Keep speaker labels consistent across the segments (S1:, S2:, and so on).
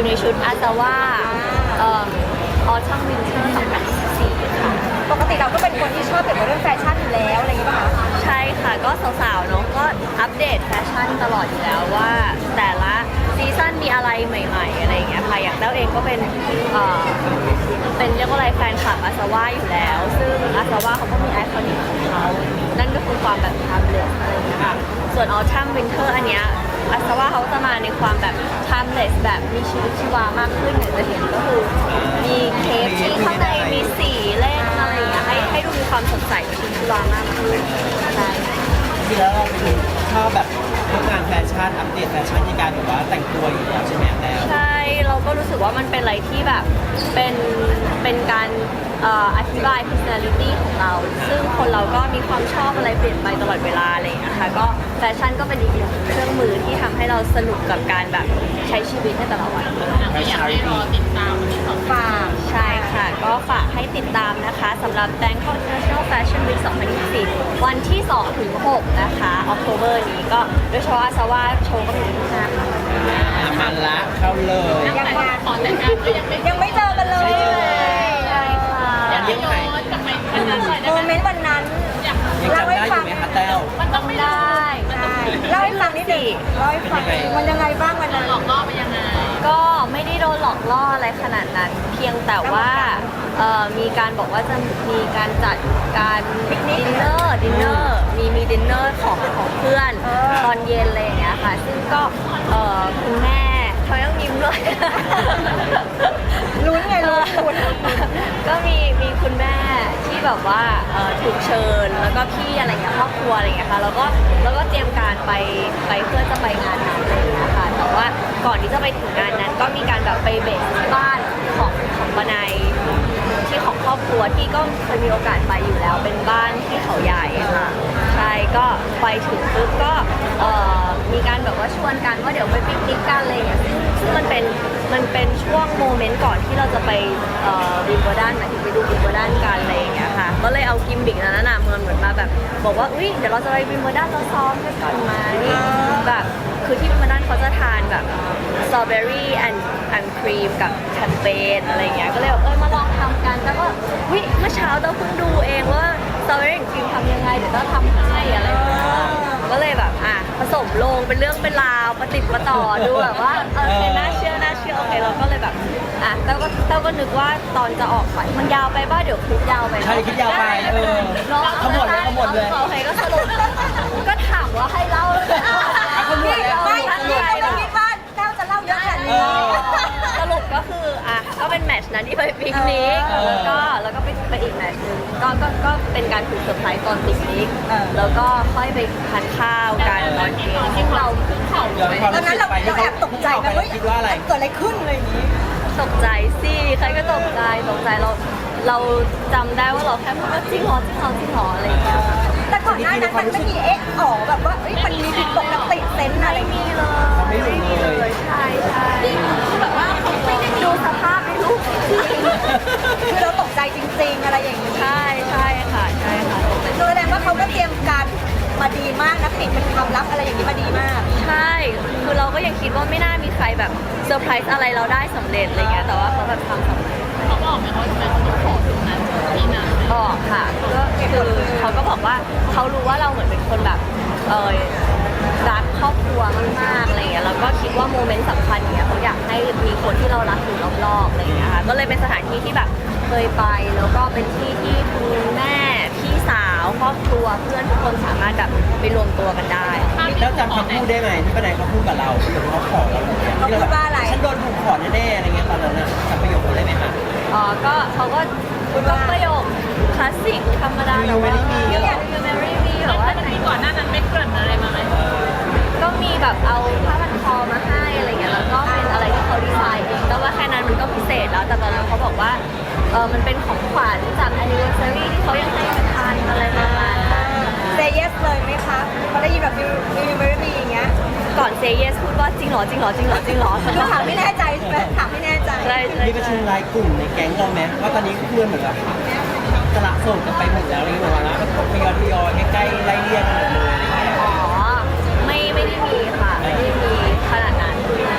S1: อยู่ในชุดอาซาว่าออทัมวินเทอร์2024ค่ะ
S2: ปกติเราก็เป็นคนที่ชอบเกี่ยวกับเรื่องแฟชั่นอยู่แล้วอะไรอย่างเงี้ยป่ะคะ
S1: ใช่ค่ะก็สาวๆเนาะก็อัปเดตแฟชั่นตลอดอยู่แล้วว่าแต่ละซีซั่นมีอะไรใหม่ๆอะไรอย่างเงี้ยค่ะอย่างแต้วเองก็เป็นเรียกว่าอะไรแฟนคลับอาซาว่าอยู่แล้วซึ่งอาซาว่าเขาก็มีไอคอนิกของเขานั่นก็คือความแบบtimelessอะไรอย่างเงี้ยค่ะส่วน Autumn Winter อันเนี้ยอาซาว่าเขาจะมาในความแบบ timeless แบบมีชีวิตชีวามากขึ้นอย่างจะเห็นก็คือมีเคปที่ข้างในมีสีเล่นอะไรอย่างเงี้ยให้ดูมีความสดใสมีชีวิตชีวามากขึ้นใช่
S3: ที่แล้วเราเป็นชอบแบบทำงานแฟชั่นอัปเดตแฟชั่นในการแบบว่าแต่งตัวอยู่แล้วใช่ไหมแล้ว
S1: ใช่เราก็รู้สึกว่ามันเป็นอะไรที่แบบเป็นการอธิบาย personality ของเราซึ่งคนเราก็มีความชอบอะไรเปลี่ยนไปตลอดเวลาอะไรอย่างเงี้ยค่ะก็แฟชั่นก็เป็นอีกหนึ่งเครื่องมือที่ทำให้เราสนุกกับการแบบใช้ชีวิตในแต่ละวัน
S4: อยากให้รอติดตามวันที่2ฝาก
S1: ใช่ค่ะก็ฝากให้ติดตามนะคะสำหรับ Bangkok International Fashion Week 2024วันที่2ถึง6นะคะ October นี้ก็โดยเฉพาะอาซาว่าโชว์ก็มีที่5ค่ะ
S3: มันละเข้าเลย
S4: ยังงานขอแต่งงานก็
S2: ยังไม่เจอกันเลย
S1: ใช่ค่ะ
S4: อยากให้ย้อนกลับไป
S2: โมเมนต์วันนั้น
S3: ยังจำได้อยู่ไหมคะแต้ว
S4: มันต้องไม่ได้
S2: เล่าให้ฟังนิดนึงเล่าให้ฟังมันยังไงบ้างวันนั้น
S4: หลอกล่อไปยังไง
S1: ก็ไม่ได้โดนหลอกล่ออะไรขนาดนั้น เพียงแต่ว่ามีการบอกว่าจะมีการจัดการดินเนอร์มีดินเนอร์ของเพื่อนตอนเย็นอะไรอย่างเงี้ยค่ะซึ่งก็คุณแม่เขายังยิ้มเลย
S2: ลุ้นไงลุ้น
S1: ก็มีคุณแม่ที่แบบว่าถูกเชิญแล้วก็พี่อะไรเงี้ยครอบครัวอะไรเงี้ยค่ะแล้วก็เตรียมการไปเพื่อจะไปงานนั้นอะไรเงี้ยค่ะแต่ว่าก่อนที่จะไปถึงงานนั้นก็มีการแบบไปเบสที่บ้านของปนัยที่ของครอบครัวที่ก็เคยมีโอกาสไปอยู่แล้วเป็นบ้านที่เขาใหญ่ค่ะใช่ก็ไปถึงปุ๊บก็มีการแบบว่าชวนกันว่าเดี๋ยวไปปิกนิกกันอะไรอย่างเงี้ยซึ่งมันเป็นช่วงโมเมนต์ก่อนที่เราจะไปวิมเบิลดันหมายถึงไปดูวิมเบิลดันกันอะไรอย่างเงี้ยค่ะก็เลยเอากิมบิกนั้นน่ะเหมือนมาแบบบอกว่าอุ้ยเดี๋ยวเราจะไปวิมเบิลดันเราซ้อมกันก่อนมานี่แบบคือที่วิมเบิลดันเขาจะทานแบบสตรอเบอรี่แอนด์ครีมกับแชมเปญอะไรอย่างเงี้ยก็เลยมาลองทำกันแล้วก็วิเมื่อเช้าเราเพิ่งดูเองว่าสตรอเบอรี่แอนด์ครีมทำยังไงเดี๋ยวเราทำให้อะไรอย่างเงี้ยก็เลยแบบผสมลงเป็นเรื่องเป็นราวประติดประต่อดูแบบว่าน่าเชื่อโอเคเราก็เลยแบบเต้าก็นึกว่าตอนจะออกไปมันยาวไปบ้าเดี๋ยวคลิปยาวไป
S3: ใช่คลิปยาวไปขมวดเลย
S1: โอเคก็สรุปก็ถามว่าให้เล่า
S3: ขมวดแล้ว
S2: ไม่เราคิดว่าเจ้าจะเล่าเยอะขนาดนี้
S1: สรุปก็คือก็เป็นแมตช์นั้นที่ไปปิกนิกแล้วก็ไปอีกแมตช์นึงก็เป็นการถูกเซอร์ไพรส์ตอนปิกนิกแล้วก็ค่อยไปทานข้าวกันตอนเย็น
S4: ที่เราขึ้นเขา
S2: ตอนนั้นเราแอบตกใจนะเฮ้ยเกิดอะไรขึ้นอะไรอย่างนี้
S1: ตกใจสิใครก็ตกใจเราจำได้ว่าเราแค่พูดว่าจริงเหรออะไรอย่างเงี้ย
S2: แต่ก่อนหน้านั้นมันไม่มีแบบว่ามันมีผิดปกติเซนอะไร
S1: มีเลยใช่
S4: แบบว่าเขาไม่ได้
S1: ดูสภาพในรูป
S2: คือเราตกใจจริงๆอะไรอย่างนี้
S1: ใช่ค่ะ
S2: แสดงว่าเขาก็เตรียมการมาดีมากนะปิดเป็นความลับอะไรอย่างนี้มาดีมาก
S1: ใช่คือเราก็ยังคิดว่าไม่น่ามีใครแบบเซอร์ไพรส์อะไรเราได้สำเร็จอะไรเงี้ยแต่ว่าเขาแบบทำสำเร็จ
S4: เขาบอกไหมว่าทำไมเขาต้องขอตรงนั้นที่นั่น
S1: บอกค่ะก็คือเขาก็บอกว่าเขารู้ว่าเราเหมือนเป็นคนแบบรักครอบครัวมากๆอะไรเงี้ยแล้วก็คิดว่าโมเมนต์สำคัญเนี้ยเขาอยากให้มีคนที่เรารักอยู่รอบๆอะไรเงี้ยค่ะก็เลยเป็นสถานที่ที่แบบเคยไปแล้วก็เป็นที่ที่คุณแม่พี่สาวครอบครัวเพื่อนทุกคนสามารถแบบไปรวมตัวกันได้
S3: แล้วจำคำพูดได้ไหมที่ป้าแดงเขาพูดกับเราเขาขอเรา
S2: เขาพูดว่าอะไร
S3: ฉันโดนถูกขอแน่ๆอะไรเงี้ยตอนนั้นจำประโยคได้ไหมคะ
S1: ก็เขาก็ประโยคคลาสสิกธรรมดา
S3: แต่ว่า
S1: You marry me แบบว่า
S4: ที่ก่อนหน้านั้นไม่เกริ่นอะไรมาไหม
S1: ก็มีแบบเอาผ้าพันคอมาให้อะไรเงี้ยแล้วก็เป็นอะไรที่เขาดีไซน์เองแต่ว่าแค่นั้นมันก็พิเศษแล้วแต่ตอนนั้นเขาบอกว่ามันเป็นของขวัญจาก anniversary ที่เขายังให้กันทานอะไรประมาณนั้น
S2: Say yes เลยไหมคะพอได้ยินแบบ You marry me อย่างเงี้ย
S1: ก่อน Say yes พูดว่าจริงเหรอ
S2: คือถามไม่แน่ใจใช่ไหมถามไม่แน่ใจ
S3: มีประชุมรายกลุ่มในแก๊งเราไหมว่าตอนนี้เพื่อนเหมือนแบบสละโสดกันไปหมดแล้วอะไรอย่างเงี้ยแล้วก็ทยอยใกล้ๆไล่เรียกกันหมดเลย
S1: ไม่ได้มีค่ะไม่ได้มีขนาดนั้นเพราะ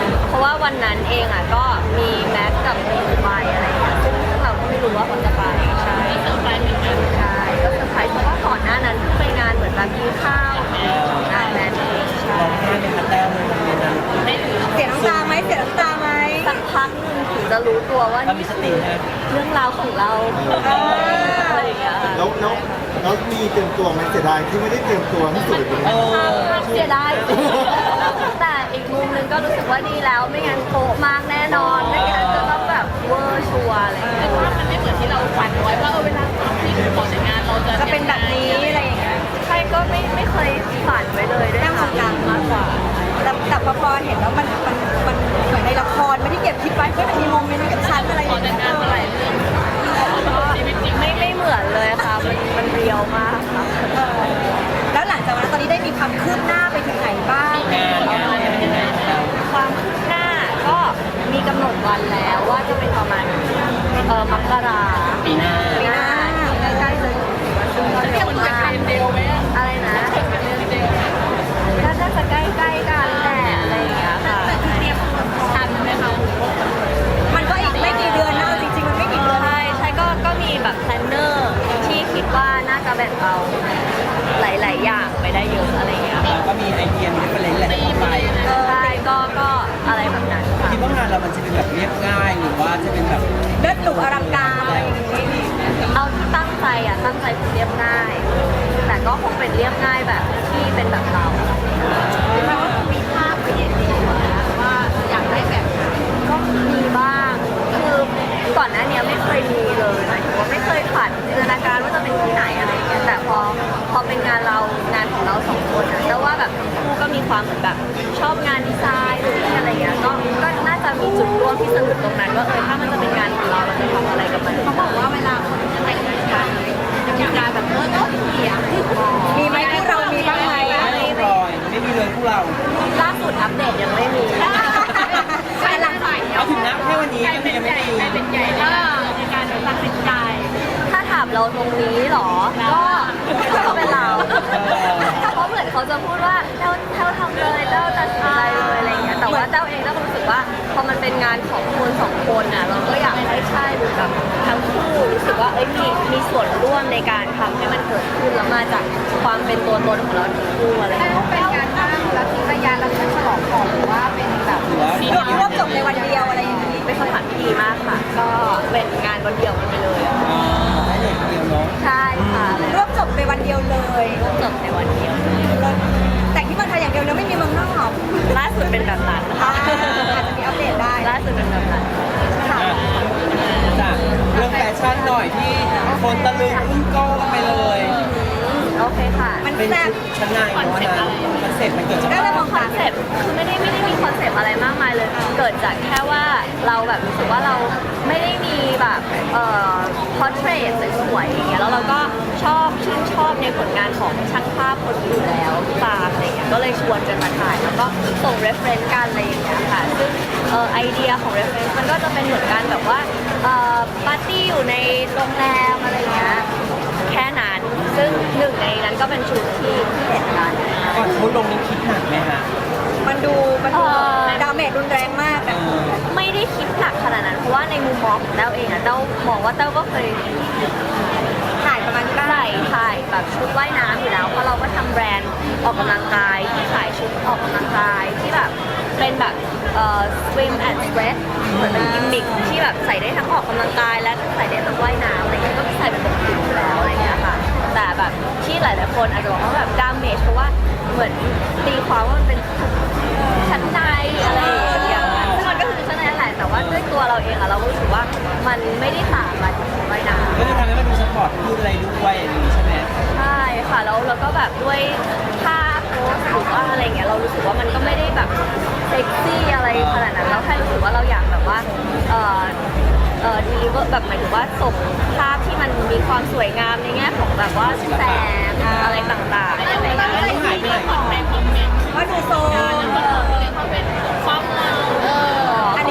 S1: ว่าวันนั้นเองอ่ะก็มีแม็กกับมีไปอะไรอย่างเงี้ยซึ่งเราก็ไม่รู้ว่าเขาจะไปใช่
S4: เซอร์ไพรส์เหมือนกัน
S1: ใช่ก็เซอร์ไพรส์เพราะว่าก่อนหน้านั้นเพิ่งไปงานเหมือนแบบกินข้าวงานแมนเองใช่
S3: ร้องไห้เป็นคัตแต้วเลยในนั้น
S4: ได้ถือ
S2: เสียน้ำตาไหมเสียน้ำตาไหม
S1: สักพักหนึงถึงจะรู้ตัวว่า
S3: เรามีสตินะ
S1: เรื่องราวของเราอะไรอย่างเงี้ยค่ะ
S5: แล้วมีเตรียมตัวไหมเสียดายที่ไม่ได้เตรียมตัวที่สุดเลย
S3: เออ
S1: เสียดายแต่อีกมุมหนึงก็รู้สึกว่าดีแล้วไม่งั้นโป๊ะมากแน่นอนไม่งั้นจะต้องแบบเวอร์ชัวร์อะไรอย่างเงี้ย
S4: ว่ามันไม่เหมือนที่เราฝันไว้ว่าเวลาทำที่ขอแต่งงานเราจะ
S2: จะเป็นแบบนี้อะไรอย่างเงี้ย
S1: ใช่ก็ไม่เคยฝันไว้เลยด้วย
S2: นั่งตรงกลาง
S1: มากกว่า
S2: แต่พอเห็นแล้วมันเหมือนในละครไม่ที่เก็บคิดไว้ก็จะมีโมเมนต์เก็บชันอะไรอ
S4: ขอย่าง แต่
S2: เงี้
S4: งงาน
S2: ย
S4: มาหลายเรื่องชีวิตจริง
S1: ไม่เหมือนเลยค่ะมันเรียวมากค่ะ
S2: แล้วหลังจากนั้นตอนนี้ได้มีความคืบหน้าไปถึงไหนบ้าง
S1: ความคืบหน้าก็มีกำหนดวันแล้วว่าจะเป็นประมาณมกรา
S3: ปีหน้า
S1: ปีหน้าใกล้ๆเลยซึ่งก็เร็วมากอะไรนะก็น่าจะใกล้ๆกันแหละอะไรอย่างเงี้ยค่ะ
S4: ทันไหมคะ
S2: มันก็อีกไม่กี่เดือนนะเอาจริงๆมันไม่กี่เดือน
S1: ใช่ก็มีแบบแพลนเนอร์ที่คิดว่าน่าจะแบ่งเบาหลายๆอย่างไปได้เยอะอะไรอย่างเงี้ย
S3: เราก็มีไอเดียมีเรฟเฟรนซ์แหละเข้าไป
S1: ใช่ก็อะไรแบบนั้นค่ะ
S3: คิดว่างานเรามันจะเป็นแบบเรียบง่ายหรือว่าจะเป็นแบบ
S2: เลือดหลุกอลังการอะไรอย่างงี้
S1: เอาที่ตั้งใจเป็นเรียบง่าย แต่ก็คงเป็นเรียบง่ายแบบที่เป็นแบบเรามันก็มีภาพไปเห็นดีนะว่าอยากได้แบบก็มีบ้าง คือก่อนหน้านี้ไม่เคยมีเลยหมายถึงว่าไม่เคยฝันจินตนาการว่าจะเป็นที่ไหนอะไรอย่างเงี้ยแต่พอเป็นงานของเราสองคนนะแต่ว่าแบบทั้งคู่ก็มีความเหมือนแบบชอบงานดีไซน์หรืออะไรอย่างเงี้ยก็น่าจะมีจุดร่วมที่สนุกตรงนั้นว่าถ้ามันจะเป็นงานของเราเราจะทำอะไรกับมันเขาบอกว่าเวลาคนจะแต่งงานกันจะมีการแบบต้องเสียง
S2: มีไหมที่เรามีบ้างไหม
S3: ไม่รอยไม่มีเลยพวกเรา
S1: ล่าสุดอัปเดตยังไม่มี
S2: ใช่หลังฝ่าย
S3: เอาถึงนับแค่วันนี้ก็ยังไม่มี
S4: เป็นใหญ่ในการตัดสินใจ
S1: ถ้าถามเราตรงนี้เหรอ ก็เป็นเรา เพราะเหมือนเขาจะพูดว่าเจ้าทำเลยเจ้าตัดสินใจเลยอะไรอย่างเงี้ย แต่ว่าเจ้าเองก็รู้สึกว่าพอมันเป็นงานของคนสองคนน่ะเราก็อยากให้ใช่หรือแบบทั้งคู่รู้สึกว่ามีส่วนร่วมในการทำให้มันเกิดขึ้นแล้วมาจากความเป็นตัวตนของเราทั้งคู่อะไรอย่างเงี้ย
S2: เป็นการตั้งแล้วทิ้งระยะแล้วก็ฉลองก่อนหรือว่าเป็นแบบ
S3: หรือว่า
S2: รวบจบในวันเดียวอะไรอย่างนี้
S1: เป็นคำถามที่ดีมากค่ะ ก็เป็นงานวันเดียวกันไปเลยอะ
S3: ให้เด็กเดียวเนาะ
S1: ใช่ค่ะ
S2: รวบจบในวันเดียวเลย
S1: จบในวันเดียว
S2: แต่งที่เมืองไทยอย่างเดียวแล้วไม่มีเมืองนอก
S1: ล่าสุดเป็นแบบนั้นค่ะ
S2: อาจจะมีอัปเดตได้
S1: ล่าสุดเป็นแบบนั้น
S2: ค่ะ
S3: จากเรื่องแฟชั่นหน่อยที่คนตะลึงอึ้งโก้กันไปเลย
S1: โอเคค่ะ
S2: มัน
S3: เป็น
S2: แซ่บ
S3: ชุดชั้นในเนาะนะคอนเซ็ปต์มันเกิดจาก
S2: ได้เลยของ
S1: คอนเซปต์คือไม่ได้มีคอนเซปต์อะไรมากมายเลย เกิดจากแค่ว่าเราแบบรู้สึกว่าเราไม่ได้มีแบบพอร์เทรตสวยๆอย่างเงี้ยแล้วเราก็ชื่นชอบในผลงานของช่างภาพคนอื่นแล้วตามอะไรเงี้ยก็เลยชวนกันมาถ่ายแล้วก็ส่ง reference กันอะไรอย่างเงี้ยค่ะซึ่งไอเดียของ reference มันก็จะเป็นเหมือนกันแบบว่าปาร์ตี้อยู่ในโรงแรมอะไรเงี้ยแค่นั้นซึ่งหนึ่งในนั้นก็เป็นชุดที่เห็นกัน
S3: ก่อนเขาลงนี้คิดหนักไหมฮะ
S2: มันดูดาเมจรุนแรงมาก
S3: เอ
S2: นะ
S3: อ
S1: ไม่ได้คิดหนักขนาดนั้นเพราะว่าในมุมมองของเต้าเองอะเต้ามองว่าเต้าก็เคย
S2: ถ่ายประมาณนี้บ้าง
S1: ใส่ถ่ายแบบชุดว่ายน้ำอยู่แล้วเพราะเราก็ทำแบรนด์ออกกำลังกายที่ขายชุดออกกำลังกายที่แบบเป็นแบบswim and sweat เหมือนเป็นกิมมิคที่แบบใส่ได้ทั้งออกกำลังกายและใส่ได้ทั้งว่ายน้ำอะไรเงี้ยก็ใส่เป็นปกติอยู่แล้วอะไรเงี้ยค่ะแต่แบบที่หลายๆคนอาจจะบอกว่าแบบดามเมจเพราะว่าเหมือนตีความว่ามันเป็นชั้นในอะไรอย่างเงี้ยซึ่งมันก็คือชั้นในนั่นแหละแต่ว่าด้วยตัวเราเองอะเรารู้สึกว่ามันไม่ได้ต่างอะไรจากชุดว่ายน้ำ
S3: ก็จะทำให้มันดูสปอร์ตขึ้นอะไรด้วยอย่างนี้ใช่ไหม
S1: ใช่ค่ะแล้วเราก็แบบด้วยท่าโพสหรือว่าอะไรเงี้ยเรารู้สึกว่ามันก็ไม่ได้แบบเซ็กซี่อะไรขนาดนั้นเราแค่รู้สึกว่าเราอยากแบบว่าดีลิเวอร์แบบหมายถึงว่าส่งภาพที่มันมีความสวยงามในแง่ของแบบว่าแสงอะไรต่างๆอะไรอย่างเงี้ย
S3: ไม่หายไปไหน
S4: ในคอมเมนต์
S2: ว่าดูโซ
S4: เขาเป็นความเรา
S2: อันนี้เขา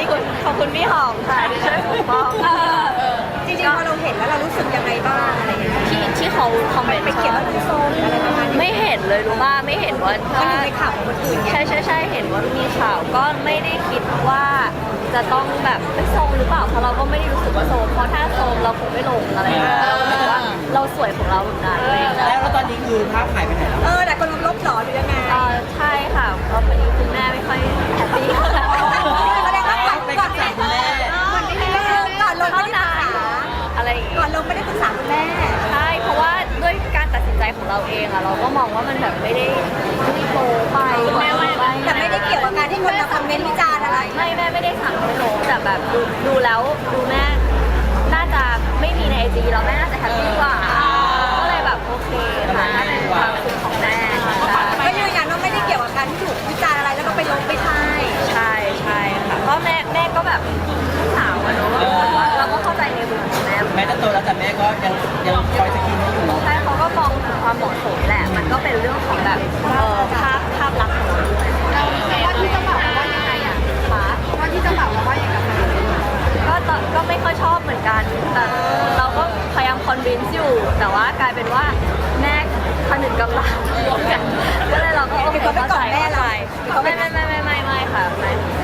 S1: อบคุณพี่หอมค่ะที่ช่วยปกป้อง
S2: จริงๆพอเราเห็นแล้วเรารู้สึกยังไงบ้างอะไรอย่างเงี้ย
S1: ที่เขาคอมเมนต์
S2: ไปเขียนว่าลูกโซนอะไรประมาณนี้
S1: ไม่เห็นเลยรู้ป่ะไม่เห็นว่า
S2: มันอยู่ในข่าวของคนอื่นไง
S1: ใช่เห็นว่ามีข่าวก็ไม่ได้คิดว่าจะต้องแบบไม่โซมหรือเปล่าเพราะเราก็ไม่ได้รู้สึกว่าโซมเพราะถ้าโซมเราคงไม่ลงอะไรอย่างเงี้ยเรารู้สึกว่าเราสวยของเราแบบนั้นเลย
S3: แล้วตอนนี้คือภาพหายไปไหนแล้ว
S2: แต่คนลบหรอหรือยังไง
S1: ใช่ค่ะเพราะวันนี้คุณแม่ไม่ค่อยแฮปปี้
S2: แสดงว่าก่อน
S3: ไปกับคุณแม่
S2: ก่อนลงไม่ได้ปรึกษา
S1: อะไรอย่างเงี้ย
S2: ก่อนลงไม่ได้ปรึกษาคุณแม่
S1: ใช่เพราะว่าด้วยการตัดสินใจของเราเองอะเราก็มองว่ามันแบบไม่ได้โตไป
S2: แต่ไม่ได้เกี่ยวกับการที่คนมาคอมเมนต์วิจารณ์อะไร
S1: ไม่แม่ไม่ได้สั่งให้ลงแต่แบบดูแล้วดูแม่น่าจะไม่มีในไอจีเราแม่น่าจะแฮปปี้กว่าก็เลยแบบโอเคค่ะน่าจะเป็นความสุขของแม่ใช่
S2: ก็ยืนยันว่าไม่ได้เกี่ยวกับการที่ถูกวิจารณ์อะไรแล้วก็ไปลงไปทาย
S1: ใช่ค่ะเพราะแม่ก็แบบลูกสาวอะเนาะว่าเราก็เข้าใจในมุมของแม่
S3: แม่จะโตแล้วแต่แม่ก็ยังคอยสกินให้อยู่เนาะ
S1: ใช่เขาก็มองถึงความเหมาะสมแหละ มันก็เป็นเรื่องของแบบภาพลักษณ์ของเราด้วย
S4: ว่าที่เจะบอกว่ายังไงอ่ะ
S1: ค่ะ
S4: ว่าที่เจะบอกว่าอย่างไร
S1: ก็ไม่ค่อยชอบเหมือนกัน แต่เราก็พยายามคอนวินซ์อยู่ แต่ว่ากลายเป็นว่าแม่ผนึกกำลังรวมกันก็เลยเราก็โอเคเข้าใจไม่ค่ะไม่ค่ะ